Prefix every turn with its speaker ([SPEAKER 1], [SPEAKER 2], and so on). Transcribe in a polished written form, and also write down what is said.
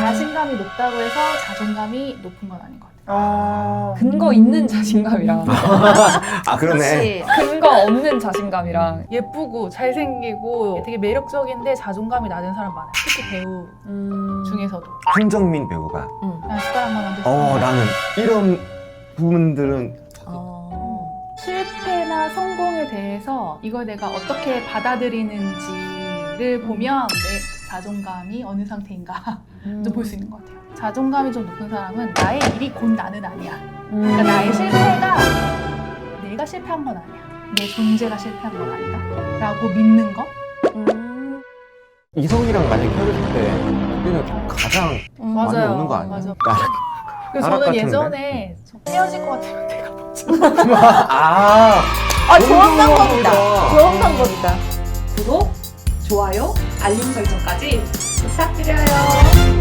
[SPEAKER 1] 자신감이 높다고 해서 자존감이 높은 건 아닌 것 같아요.
[SPEAKER 2] 근거 있는 자신감이랑
[SPEAKER 3] 아 그러네.
[SPEAKER 2] 근거 없는 자신감이랑
[SPEAKER 1] 예쁘고 잘생기고 되게 매력적인데 자존감이 낮은 사람 많아요. 특히 배우 중에서도.
[SPEAKER 3] 황정민 배우가
[SPEAKER 1] 그냥 숟가락만 만들 수
[SPEAKER 3] 나는 이런 부분들은
[SPEAKER 1] 실패나 성공에 대해서 이걸 내가 어떻게 받아들이는지를 보면 내 자존감이 어느 상태인가 좀 볼 수 있는 것 같아요. 자존감이 좀 높은 사람은 나의 일이 곧 나는 아니야. 그러니까 나의 실패가 내가 실패한 건 아니야. 내 존재가 실패한 건 아니다. 라고 믿는 거?
[SPEAKER 3] 이성이랑 만약 헤어졌을 때 그때는 가장 많이 오는 거 아니야?
[SPEAKER 1] 맞아.
[SPEAKER 3] 나락
[SPEAKER 1] 그래서
[SPEAKER 3] 나락
[SPEAKER 1] 저는
[SPEAKER 3] 같은데?
[SPEAKER 1] 예전에 헤어질 것 같으면 내가 먼저
[SPEAKER 4] 좋은 방법이다.
[SPEAKER 3] 좋아.
[SPEAKER 4] 좋은 방법이다. 구독, 좋아요, 알림 설정까지 부탁드려요.